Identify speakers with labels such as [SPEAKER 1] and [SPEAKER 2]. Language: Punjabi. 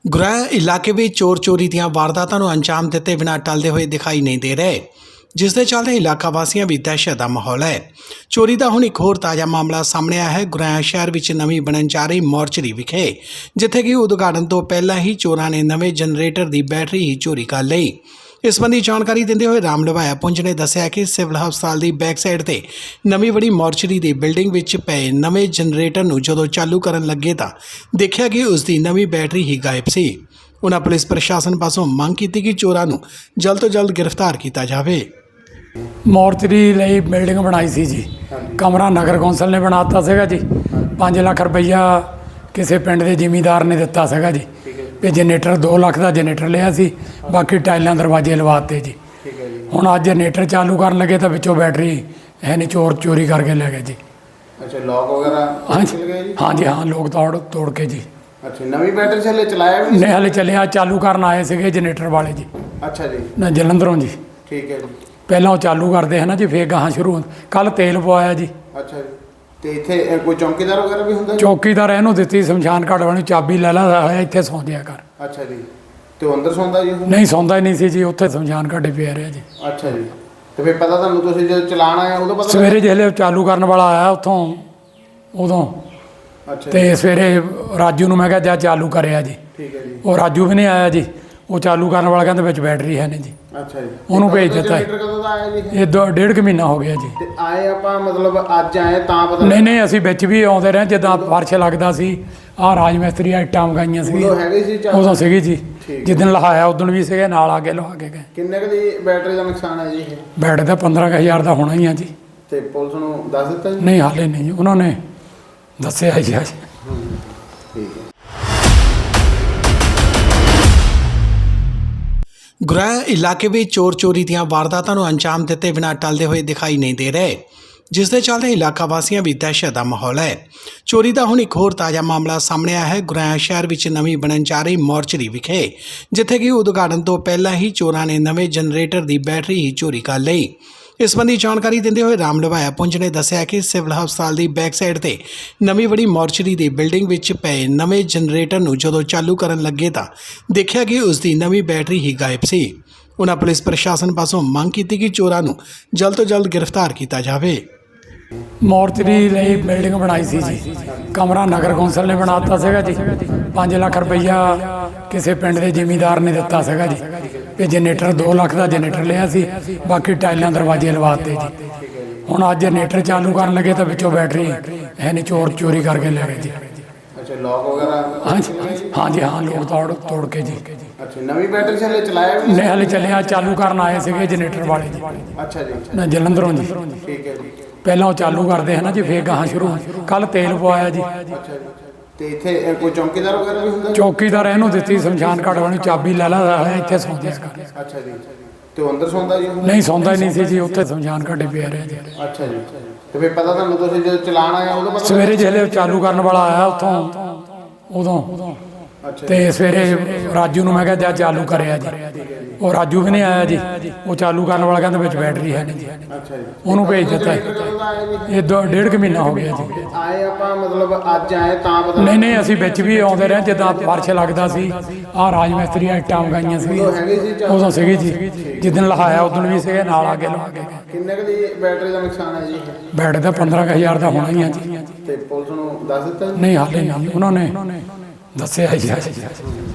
[SPEAKER 1] ਗੁਰੇਹ ਇਲਾਕੇ ਵਿੱਚ ਚੋਰ ਚੋਰੀ ਦੀਆਂ ਵਾਰਦਾਤਾਂ ਨੂੰ ਅੰਜਾਮ ਦਿੱਤੇ ਬਿਨਾਂ ਟਲਦੇ ਹੋਏ ਦਿਖਾਈ ਨਹੀਂ ਦੇ ਰਹੇ, ਜਿਸ ਦੇ ਚੱਲਦੇ ਇਲਾਕਾ ਵਾਸੀਆਂ ਵਿੱਚ ਦਹਿਸ਼ਤ ਦਾ ਮਾਹੌਲ ਹੈ। ਚੋਰੀ ਦਾ ਹੁਣ ਇੱਕ ਹੋਰ ਤਾਜ਼ਾ ਮਾਮਲਾ ਸਾਹਮਣੇ ਆਇਆ ਹੈ। ਗੁਰੇਹ ਸ਼ਹਿਰ ਵਿੱਚ ਨਵੀਂ ਬਣਨ ਜਾ ਰਹੀ ਮੋਰਚਰੀ ਵਿਖੇ, ਜਿੱਥੇ ਕਿ ਉਦਘਾਟਨ ਤੋਂ ਪਹਿਲਾਂ ਹੀ ਚੋਰਾਂ ਨੇ ਨਵੇਂ ਜਨਰੇਟਰ ਦੀ ਬੈਟਰੀ ਹੀ ਚੋਰੀ ਕਰ ਲਈ। ਇਸ ਸੰਬੰਧੀ ਜਾਣਕਾਰੀ ਦਿੰਦੇ ਹੋਏ ਰਾਮ ਲਵਾਇਆ ਪੁੰਜ ਨੇ ਦੱਸਿਆ ਕਿ ਸਿਵਲ ਹਸਪਤਾਲ ਦੀ ਬੈਕ ਸਾਈਡ ਤੇ ਨਵੀਂ ਬੜੀ ਮੋਰਚਰੀ ਦੀ ਬਿਲਡਿੰਗ ਵਿੱਚ ਪਏ ਨਵੇਂ ਜਨਰੇਟਰ ਨੂੰ ਜਦੋਂ ਚਾਲੂ ਕਰਨ ਲੱਗੇ ਤਾਂ ਦੇਖਿਆ ਕਿ ਉਸ ਦੀ ਨਵੀਂ ਬੈਟਰੀ ਹੀ ਗਾਇਬ ਸੀ। ਉਨ੍ਹਾਂ ਪੁਲਿਸ ਪ੍ਰਸ਼ਾਸਨ ਪਾਸੋਂ ਮੰਗ ਕੀਤੀ ਕਿ ਚੋਰਾਂ ਨੂੰ ਜਲਦ ਤੋਂ ਜਲਦ ਗ੍ਰਿਫਤਾਰ ਕੀਤਾ ਜਾਵੇ।
[SPEAKER 2] ਮੋਰਚਰੀ ਲਈ ਬਿਲਡਿੰਗ ਬਣਾਈ ਸੀ ਜੀ। ਕਮਰਾ ਨਗਰ ਕੌਂਸਲ ਨੇ ਬਣਾਤਾ ਸੀਗਾ ਜੀ। 5 ਲੱਖ ਰੁਪਈਆ ਕਿਸੇ ਪਿੰਡ ਦੇ ਜ਼ਿਮੀਂਦਾਰ ਨੇ ਦਿੱਤਾ ਸੀਗਾ ਜੀ। ਤੇ ਜਨਰੇਟਰ 2 ਲੱਖ ਦਾ ਜਨਰੇਟਰ ਲਿਆ ਸੀ, ਬਾਕੀ ਟਾਈਲਾਂ ਦਰਵਾਜ਼ੇ ਲਵਾਤੇ ਜੀ। ਹੁਣ ਅੱਜ ਜਨਰੇਟਰ ਚਾਲੂ ਕਰਨ ਲੱਗੇ ਤਾਂ ਵਿੱਚੋਂ ਬੈਟਰੀ ਹੈ ਨਹੀਂ, ਚੋਰ ਚੋਰੀ ਕਰਕੇ ਲੈ ਗਏ ਜੀ।
[SPEAKER 3] ਅੱਛਾ, ਲੋਕ ਵਗੈਰਾ
[SPEAKER 2] ਹਾਂਜੀ ਹਾਂਜੀ ਹਾਂ, ਲੋਕ ਤੋੜ ਕੇ ਜੀ।
[SPEAKER 3] ਅੱਛਾ, ਨਵੀਂ ਬੈਟਰੀ ਹਲੇ ਚਲਾਇਆ ਵੀ
[SPEAKER 2] ਨਹੀਂ, ਹਲੇ ਚੱਲਿਆ, ਚਾਲੂ ਕਰਨ ਆਏ ਸੀਗੇ ਜਨਰੇਟਰ ਵਾਲੇ ਜੀ।
[SPEAKER 3] ਅੱਛਾ ਜੀ,
[SPEAKER 2] ਨਾ ਜਲੰਧਰੋਂ ਜੀ।
[SPEAKER 3] ਠੀਕ ਹੈ ਜੀ।
[SPEAKER 2] ਪਹਿਲਾਂ ਉਹ ਚਾਲੂ ਕਰਦੇ ਹੈ ਨਾ ਜੀ, ਫੇਰ ਗਾਹਾਂ ਸ਼ੁਰੂ। ਕੱਲ ਤੇਲ ਪਵਾਇਆ ਜੀ।
[SPEAKER 3] ਅੱਛਾ ਜੀ, ਤੇ ਇੱਥੇ ਕੋਈ ਚੌਕੀਦਾਰ ਵਗੈਰਾ ਵੀ ਹੁੰਦਾ ਜੀ?
[SPEAKER 2] ਚੌਕੀਦਾਰ ਇਹਨੂੰ ਦਿੱਤੀ ਸ਼ਮਸ਼ਾਨ ਘਾਟ ਵਾਲੀ ਚਾਬੀ, ਲੈ ਲਾ ਇੱਥੇ ਸੌਂ ਜਿਆ ਕਰ।
[SPEAKER 3] ਅੱਛਾ ਜੀ, ਤੇ ਉਹ ਅੰਦਰ ਸੌਂਦਾ ਜੀ?
[SPEAKER 2] ਨਹੀਂ, ਸੌਂਦਾ ਹੀ ਨਹੀਂ ਸੀ ਜੀ, ਉੱਥੇ ਸ਼ਮਸ਼ਾਨ ਘਾਟੇ ਪਿਆ ਰਿਹਾ ਜੀ।
[SPEAKER 3] ਅੱਛਾ ਜੀ, ਤੇ ਫਿਰ ਪਤਾ ਤੁਹਾਨੂੰ, ਤੁਸੀਂ ਜਦੋਂ ਚਲਾਣ ਆਏ ਉਦੋਂ ਪਤਾ?
[SPEAKER 2] ਸਵੇਰੇ ਜਿਹੜੇ ਚਾਲੂ ਕਰਨ ਵਾਲਾ ਆਇਆ ਉੱਥੋਂ, ਉਦੋਂ।
[SPEAKER 3] ਅੱਛਾ
[SPEAKER 2] ਤੇ ਸਵੇਰੇ ਰਾਜੂ ਨੂੰ ਮੈਂ ਕਿਹਾ ਜਾ ਚਾਲੂ ਕਰਿਆ ਜੀ।
[SPEAKER 3] ਠੀਕ ਹੈ ਜੀ।
[SPEAKER 2] ਉਹ ਰਾਜੂ ਵੀ ਨਹੀਂ ਆਇਆ ਜੀ। ਉਹ ਚਾਲੂ ਕਰਨ ਵਾਲਾ ਕਹਿੰਦਾ ਵਿੱਚ ਬੈਟਰੀ ਹੈ ਨਹੀਂ ਜੀ।
[SPEAKER 3] ਅੱਛਾ ਜੀ,
[SPEAKER 2] ਉਹਨੂੰ ਭੇਜ ਦਿੱਤਾ।
[SPEAKER 3] ਕਦੋਂ ਦਾ ਆਇਆ ਜੀ
[SPEAKER 2] ਇਹ 1.5 ਮਹੀਨਾ ਹੋ ਗਿਆ ਜੀ।
[SPEAKER 3] ਤੇ ਆਏ ਆਪਾਂ ਮਤਲਬ ਅੱਜ ਆਏ ਤਾਂ ਪਤਾ?
[SPEAKER 2] ਨਹੀਂ, ਅਸੀਂ ਵਿੱਚ ਵੀ ਆਉਂਦੇ ਰਹੇ, ਜਿੱਦਾਂ ਫਰਸ਼ ਲੱਗਦਾ ਸੀ। ਆਹ ਰਾਜ ਮਿਸਤਰੀ ਇੱਟਾਂ ਮਗਾਈਆਂ ਸੀ,
[SPEAKER 3] ਉਦੋਂ ਹੈਗੇ ਸੀ
[SPEAKER 2] ਉਦੋਂ ਸੀਗੀ ਜੀ।
[SPEAKER 3] ਠੀਕ।
[SPEAKER 2] ਜਿੱਦਣ ਲਹਾਇਆ ਉਦੋਂ ਵੀ ਸੀਗੇ, ਨਾਲ ਆ ਕੇ ਲਹਾ ਕੇ ਗਏ।
[SPEAKER 3] ਕਿੰਨੇ ਕੁ ਦੀ ਬੈਟਰੀ ਦਾ ਨੁਕਸਾਨ ਹੈ ਜੀ ਇਹ?
[SPEAKER 2] ਬੈਟਰੀ ਦਾ 15,000 ਦਾ ਹੋਣਾ ਹੀ ਆ ਜੀ।
[SPEAKER 3] ਤੇ ਪੁਲਿਸ ਨੂੰ ਦੱਸ ਦਿੱਤਾ ਜੀ?
[SPEAKER 2] ਨਹੀਂ, ਹਾਲੇ ਨਹੀਂ ਜੀ, ਉਹਨਾਂ ਨੇ ਦੱਸਿਆ ਜੀ ਅੱਜ।
[SPEAKER 3] ਠੀਕ ਹੈ।
[SPEAKER 1] ਗੁਰੇਹ ਇਲਾਕੇ ਵਿੱਚ ਚੋਰ ਚੋਰੀ ਦੀਆਂ ਵਾਰਦਾਤਾਂ ਨੂੰ ਅੰਜਾਮ ਦਿੱਤੇ ਬਿਨਾਂ ਟਲਦੇ ਹੋਏ ਦਿਖਾਈ ਨਹੀਂ ਦੇ ਰਹੇ, ਜਿਸ ਦੇ ਚੱਲਦੇ ਇਲਾਕਾ ਵਾਸੀਆਂ ਵਿੱਚ ਦਹਿਸ਼ਤ ਦਾ ਮਾਹੌਲ ਹੈ। ਚੋਰੀ ਦਾ ਹੁਣ ਇੱਕ ਹੋਰ ਤਾਜ਼ਾ ਮਾਮਲਾ ਸਾਹਮਣੇ ਆਇਆ ਹੈ। ਗੁਰੇਹ ਸ਼ਹਿਰ ਵਿੱਚ ਨਵੀਂ ਬਣਨ ਜਾ ਰਹੀ ਮੋਰਚਰੀ ਵਿਖੇ, ਜਿੱਥੇ ਕਿ ਉਦਘਾਟਨ ਤੋਂ ਪਹਿਲਾਂ ਹੀ ਚੋਰਾਂ ਨੇ ਨਵੇਂ ਜਨਰੇਟਰ ਦੀ ਬੈਟਰੀ ਹੀ ਚੋਰੀ ਕਰ ਲਈ। ਇਸ ਸੰਬੰਧੀ ਜਾਣਕਾਰੀ ਦਿੰਦੇ ਹੋਏ ਰਾਮ ਲਵਾਇਆ ਪੁੰਜ ਨੇ ਦੱਸਿਆ ਕਿ ਸਿਵਲ ਹਸਪਤਾਲ ਦੀ ਬੈਕ ਸਾਈਡ ਤੇ ਨਵੀਂ ਬੜੀ ਮੋਰਚਰੀ ਦੀ ਬਿਲਡਿੰਗ ਵਿੱਚ ਪਏ ਨਵੇਂ ਜਨਰੇਟਰ ਨੂੰ ਜਦੋਂ ਚਾਲੂ ਕਰਨ ਲੱਗੇ ਤਾਂ ਦੇਖਿਆ ਕਿ ਉਸ ਦੀ ਨਵੀਂ ਬੈਟਰੀ ਹੀ ਗਾਇਬ ਸੀ। ਉਨ੍ਹਾਂ ਪੁਲਿਸ ਪ੍ਰਸ਼ਾਸਨ ਪਾਸੋਂ ਮੰਗ ਕੀਤੀ ਕਿ ਚੋਰਾਂ ਨੂੰ ਜਲਦ ਤੋਂ ਜਲਦ ਗ੍ਰਿਫਤਾਰ ਕੀਤਾ ਜਾਵੇ।
[SPEAKER 2] ਮੋਰਚਰੀ ਲਈ ਬਿਲਡਿੰਗ ਬਣਾਈ ਸੀ ਜੀ। ਕਮਰਾ ਨਗਰ ਕੌਂਸਲ ਨੇ ਬਣਾਤਾ ਸੀਗਾ ਜੀ। 5 ਲੱਖ ਰੁਪਈਆ ਕਿਸੇ ਪਿੰਡ ਦੇ ਜ਼ਿਮੀਂਦਾਰ ਨੇ ਦਿੱਤਾ ਸੀਗਾ ਜੀ। ਤੇ ਜਨਰੇਟਰ 2 ਲੱਖ ਦਾ ਜਨਰੇਟਰ ਲਿਆ ਸੀ, ਬਾਕੀ ਟਾਈਲਾਂ ਦਰਵਾਜ਼ੇ ਲਵਾਤੇ ਜੀ। ਹੁਣ ਅੱਜ ਜਨਰੇਟਰ ਚਾਲੂ ਕਰਨ ਲੱਗੇ ਤਾਂ ਵਿੱਚੋਂ ਬੈਟਰੀ ਹੈ ਨਹੀਂ, ਚੋਰ ਚੋਰੀ ਕਰਕੇ ਲੈ ਗਏ ਜੀ।
[SPEAKER 3] ਅੱਛਾ, ਲੋਕ ਵਗੈਰਾ
[SPEAKER 2] ਹਾਂਜੀ ਹਾਂ, ਲੋਕ ਤੋੜ ਕੇ ਜੀ।
[SPEAKER 3] ਅੱਛਾ, ਨਵੀਂ ਬੈਟਰੀ ਹਲੇ ਚਲਾਇਆ ਵੀ
[SPEAKER 2] ਨਹੀਂ, ਹਲੇ ਚੱਲਿਆ, ਚਾਲੂ ਕਰਨ ਆਏ ਸੀਗੇ ਜਨਰੇਟਰ ਵਾਲੇ ਜੀ।
[SPEAKER 3] ਅੱਛਾ ਜੀ,
[SPEAKER 2] ਨਾ ਜਲੰਧਰੋਂ ਜੀ।
[SPEAKER 3] ਠੀਕ ਹੈ ਜੀ।
[SPEAKER 2] ਪਹਿਲਾਂ ਉਹ ਚਾਲੂ ਕਰਦੇ ਹੈ ਨਾ ਜੀ, ਫੇਰ ਗਾਹਾਂ ਸ਼ੁਰੂ। ਕੱਲ ਤੇਲ ਪਵਾਇਆ ਜੀ।
[SPEAKER 3] ਅੱਛਾ ਜੀ, ਤੇ ਇੱਥੇ ਕੋਈ ਚੌਕੀਦਾਰ ਵਗੈਰਾ ਵੀ ਹੁੰਦਾ ਜੀ?
[SPEAKER 2] ਚੌਕੀਦਾਰ ਇਹਨੂੰ ਦਿੱਤੀ ਸ਼ਮਸ਼ਾਨ ਘਾਟ ਵਾਲੀ ਚਾਬੀ, ਲੈ ਲਾ ਇੱਥੇ ਸੌਂ ਜਿਆ ਕਰ।
[SPEAKER 3] ਅੱਛਾ ਜੀ, ਤੇ ਉਹ ਅੰਦਰ ਸੌਂਦਾ ਜੀ?
[SPEAKER 2] ਨਹੀਂ, ਸੌਂਦਾ ਹੀ ਨਹੀਂ ਸੀ ਜੀ, ਉੱਥੇ ਸ਼ਮਸ਼ਾਨ ਘਾਟੇ ਪਿਆ ਰਿਹਾ ਜੀ।
[SPEAKER 3] ਅੱਛਾ ਜੀ, ਤੇ ਫਿਰ ਪਤਾ ਤੁਹਾਨੂੰ, ਤੁਸੀਂ ਜਦੋਂ ਚਲਾਣ ਆਏ ਉਦੋਂ ਪਤਾ?
[SPEAKER 2] ਸਵੇਰੇ ਜਿਹੜੇ ਚਾਲੂ ਕਰਨ ਵਾਲਾ ਆਇਆ ਉੱਥੋਂ, ਉਦੋਂ।
[SPEAKER 3] ਅੱਛਾ
[SPEAKER 2] ਤੇ ਸਵੇਰੇ ਰਾਜੂ ਨੂੰ ਮੈਂ ਕਿਹਾ ਜਾ ਚਾਲੂ ਕਰਿਆ ਜੀ। ਉਹ ਰਾਜੂ ਵੀ ਨਹੀਂ ਆਇਆ ਜੀ। ਉਹ ਚਾਲੂ ਕਰਨ ਵਾਲਾ ਕਹਿੰਦਾ ਵਿੱਚ ਬੈਟਰੀ ਹੈ ਨਹੀਂ ਜੀ।
[SPEAKER 3] ਅੱਛਾ ਜੀ,
[SPEAKER 2] ਉਹਨੂੰ ਭੇਜ ਦਿੱਤਾ।
[SPEAKER 3] ਕਦੋਂ ਦਾ ਆਇਆ ਜੀ?
[SPEAKER 2] ਇਹ 1.5 ਮਹੀਨਾ ਹੋ ਗਿਆ ਜੀ।
[SPEAKER 3] ਆਏ ਆਪਾਂ ਮਤਲਬ ਅੱਜ ਆਏ ਤਾਂ ਪਤਾ?
[SPEAKER 2] ਨਹੀਂ, ਅਸੀਂ ਵਿੱਚ ਵੀ ਆਉਂਦੇ ਰਹੇ, ਜਿੱਦਾਂ ਫਰਸ਼ ਲੱਗਦਾ ਸੀ। ਆਹ ਰਾਜ ਮਿਸਤਰੀ ਇੱਟਾਂ ਮਗਾਈਆਂ ਸੀ,
[SPEAKER 3] ਉਦੋਂ ਹੈਗੇ ਸੀ
[SPEAKER 2] ਉਦੋਂ ਸੀਗੀ ਜੀ। ਜਿੱਦਣ ਲਹਾਇਆ ਉਦੋਂ ਵੀ ਸੀਗੇ, ਨਾਲ ਆ ਕੇ ਲਹਾ ਕੇ ਗਏ।
[SPEAKER 3] ਕਿੰਨੇ ਕੁ ਦੀ ਬੈਟਰੀ ਦਾ ਨੁਕਸਾਨ ਹੈ ਜੀ ਇਹ?
[SPEAKER 2] ਬੈਟਰੀ ਦਾ 15,000 ਦਾ ਹੋਣਾ ਹੀ ਆ ਜੀ।
[SPEAKER 3] ਤੇ ਪੁਲਿਸ ਨੂੰ ਦੱਸ ਦਿੱਤਾ ਜੀ?
[SPEAKER 2] ਨਹੀਂ, ਹਾਲੇ ਨਹੀਂ, ਉਹਨਾਂ ਨੇ ਦੱਸਿਆ ਜੀ ਅੱਜ।